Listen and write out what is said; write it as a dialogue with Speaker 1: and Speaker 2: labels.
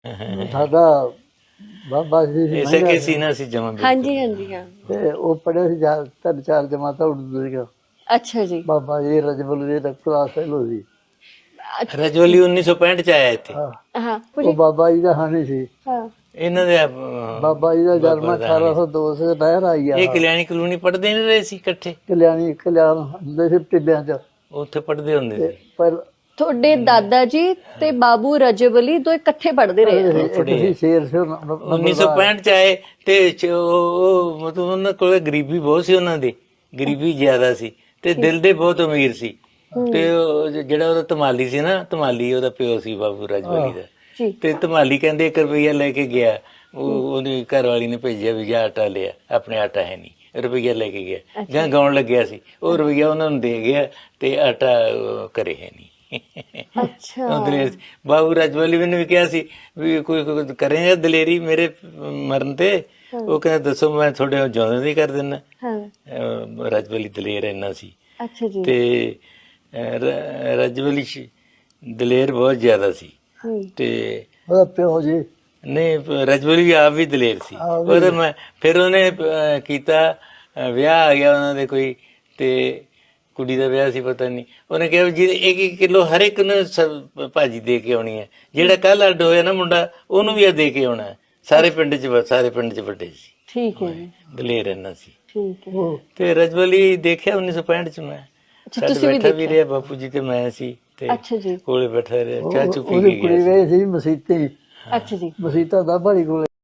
Speaker 1: ਸਾਡਾ ਬਾਬਾ ਜੀ ਸੀ
Speaker 2: ਇਸੇ ਕੇ ਸੀਨਾ ਸੀ ਜਮਾ
Speaker 3: ਹਾਂਜੀ ਹਾਂਜੀ ਹਾਂ।
Speaker 1: ਤੇ ਉਹ ਪੜ੍ਹਿਆ ਸੀ ਤਿੰਨ ਚਾਰ ਜਮਾਤਾਂ ਉਰਦੂ ਦੀਆਂ।
Speaker 3: ਅੱਛਾ ਜੀ।
Speaker 1: ਬਾਬਾ ਜੀ ਰਜਬੁਲ ਜੀ ਦਾ ਕਲਾਸ ਫੈਲੋ ਸੀ।
Speaker 2: ਰਜੌਲੀ 1965 ਚ ਆਇਆ ਇੱਥੇ।
Speaker 3: ਹਾਂ
Speaker 1: ਉਹ ਬਾਬਾ ਜੀ ਦਾ ਹਾਣੀ ਸੀ।
Speaker 3: ਹਾਂ
Speaker 2: ਇਹਨਾਂ ਦੇ
Speaker 1: ਬਾਬਾ ਜੀ ਦਾ ਜਨਮ 1802 ਸੇ ਨਹਿਰ ਆਈ ਆ।
Speaker 2: ਇਹ ਕਲਿਆਣੀ ਕਲੋਨੀ ਪੜ੍ਹਦੇ ਨਹੀਂ ਰਹੇ ਸੀ ਇਕੱਠੇ?
Speaker 1: ਕਲਿਆਣ ਹੁੰਦੇ ਸੀ ਟਿੱਬਿਆਂ ਚ,
Speaker 2: ਉੱਥੇ ਪੜ੍ਹਦੇ ਹੁੰਦੇ ਸੀ।
Speaker 1: ਪਰ
Speaker 3: ਤੁਹਾਡੇ ਦਾਦਾ ਜੀ ਤੇ ਬਾਬੂ ਰਜਬ ਅਲੀ ਦੋ ਇਕੱਠੇ ਪੜ੍ਹਦੇ ਰਹੇ ਆ।
Speaker 1: ਤੁਸੀਂ ਸ਼ੇਰ ਸੀ
Speaker 2: 1965 ਚ ਆਏ ਤੇ ਉਹ ਮਤਲਬ ਉਹਨਾਂ ਕੋਲ ਗਰੀਬੀ ਬਹੁਤ ਸੀ, ਉਹਨਾਂ ਦੀ ਗਰੀਬੀ ਜ਼ਿਆਦਾ ਸੀ ਤੇ ਦਿਲ ਦੇ ਬਹੁਤ ਅਮੀਰ ਸੀ। ਤੇ ਜਿਹੜਾ ਉਹਦਾ ਧਮਾਲੀ ਸੀ ਨਾ, ਧਮਾਲੀ ਉਹਦਾ ਪਿਓ ਸੀ ਬਾਬੂ ਰਜਬਲੀ ਦਾ। ਤੇ ਧਮਾਲੀ ਕਹਿੰਦੇ 1 ਰੁਪਈਆ ਲੈ ਕੇ ਗਿਆ, ਉਹਦੀ ਘਰ ਵਾਲੀ ਨੇ ਭੇਜਿਆ ਵੀ ਜਾ ਆਟਾ ਲਿਆ, ਆਪਣੇ ਆਟਾ ਹੈ ਨਹੀਂ, ਰੁਪਈਆ ਲੈ ਕੇ ਗਿਆ ਜਾਂ ਗਾਉਣ ਲੱਗਿਆ ਸੀ, ਉਹ ਰੁਪਈਆ ਉਹਨਾਂ ਨੂੰ ਦੇ ਗਿਆ ਤੇ ਆਟਾ ਘਰੇ ਹੈ ਨਹੀਂ।
Speaker 3: ਅੱਛਾ।
Speaker 2: ਬਾਬੂ ਰਜਬਲੀ ਨੇ ਵੀ ਕਿਹਾ ਸੀ ਵੀ ਕੋਈ ਕਰੇਗਾ ਦਲੇਰੀ ਮੇਰੇ ਮਰਨ ਤੇ? ਉਹ ਕਹਿੰਦਾ ਦੱਸੋ, ਮੈਂ ਤੁਹਾਡੇ ਜਿਉਂਦੇ ਨਹੀਂ ਕਰ ਦਿੰਦਾ। ਰਜਬਲੀ ਦਲੇਰ ਇੰਨਾ ਸੀ।
Speaker 3: ਅੱਛਾ ਜੀ।
Speaker 2: ਤੇ ਰਜਬਲੀ ਦਲੇਰ ਬਹੁਤ ਜ਼ਿਆਦਾ ਸੀ। ਤੇ
Speaker 1: ਉਹਦਾ ਪਿਓ ਜੀ
Speaker 2: ਨਹੀਂ, ਰਜਬਲੀ ਆਪ ਵੀ ਦਲੇਰ ਸੀ। ਉਹਦੇ ਮੈਂ ਫਿਰ ਉਹਨੇ ਕੀਤਾ, ਵਿਆਹ ਆ ਗਿਆ ਉਹਨਾਂ ਦੇ ਕੋਈ, ਤੇ ਕੁੜੀ ਦਾ ਵਿਆਹ ਸੀ ਪਤਾ ਨਹੀਂ, ਉਹਨੇ ਕਿਹਾ ਜੀ 1 ਕਿਲੋ ਹਰ ਇੱਕ ਨੂੰ ਭਾਜੀ ਦੇ ਕੇ ਆਉਣੀ ਹੈ, ਜਿਹੜਾ ਕੱਲ ਅੱਡ ਹੋਇਆ ਨਾ ਮੁੰਡਾ ਉਹਨੂੰ ਵੀ ਆ ਦੇ ਕੇ ਆਉਣਾ। ਸਾਰੇ ਪਿੰਡ ਚ ਵੱਡੇ ਸੀ।
Speaker 3: ਠੀਕ ਹੈ ਜੀ।
Speaker 2: ਦਲੇਰ ਇੰਨਾ ਸੀ।
Speaker 3: ਠੀਕ ਹੈ।
Speaker 2: ਤੇ ਰਜਬਲੀ ਦੇਖਿਆ 1965 ਚ ਮੈਂ, ਸਾਡੇ ਬੈਠਾ ਵੀ ਰਿਹਾ ਬਾਪੂ ਜੀ ਤੇ ਮੈਂ ਸੀ, ਤੇ
Speaker 3: ਅੱਛਾ ਜੀ।
Speaker 2: ਕੋਲੇ ਬੈਠਾ ਰਿਹਾ, ਚਾਹ ਚੁ ਪੀ
Speaker 1: ਉਹਦੀ
Speaker 2: ਕੇ
Speaker 1: ਕੁੜੀ
Speaker 2: ਗਿਆ
Speaker 1: ਗਈ ਸੀ ਮਸੀਤੀ।
Speaker 3: ਅੱਛਾ ਜੀ।
Speaker 1: ਮਸੀਤਾ ਦਾ ਬੜੀ ਕੋਲੇ